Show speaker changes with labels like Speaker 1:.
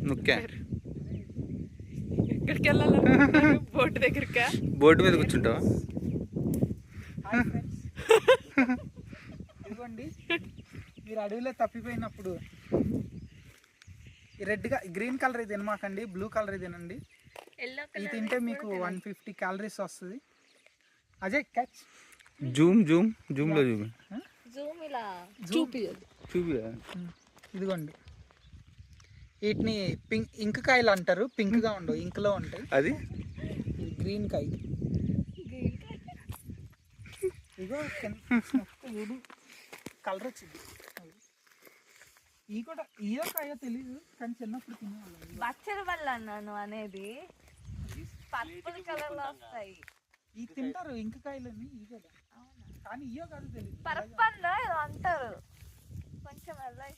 Speaker 1: నుక్కే
Speaker 2: ఎక్కడికి వెళ్ళాలి board దగ్గరకా?
Speaker 1: Board మీద కూర్చుంటావా?
Speaker 3: ఇదిగోండి, మీరు అడవిలో తప్పిపోయినప్పుడు రెడ్గా గ్రీన్ కలర్ ఇది తినమాకండి, బ్లూ కలర్ ఇది తినండి. ఇది తింటే మీకు 150 క్యాలరీస్ వస్తుంది. అజయ్ క్యాచ్.
Speaker 1: జూమ్లో చూపి
Speaker 3: ఇదిగోండి, వీటిని ఇంక్ కాయలు అంటారు. పింక్గా ఉండవు, ఇంక్లో ఉంటాయి.
Speaker 1: అది
Speaker 3: గ్రీన్ కాయ. ఇదిగో కలర్ వచ్చింది. ఈ కూడా ఇయో కాయో తెలీదు, కానీ చిన్నప్పుడు తినేవాళ్ళం.
Speaker 2: బచ్చల వల్ల అన్నాను అనేది పర్పుల్ కలర్ లో వస్తాయి.
Speaker 3: ఈ తింటారు ఇంక కాయలని, ఈ కూడా. కానీ ఇయో కాదు తెలియదు.
Speaker 2: పర్పల్ ఏదో అంటారు, కొంచెం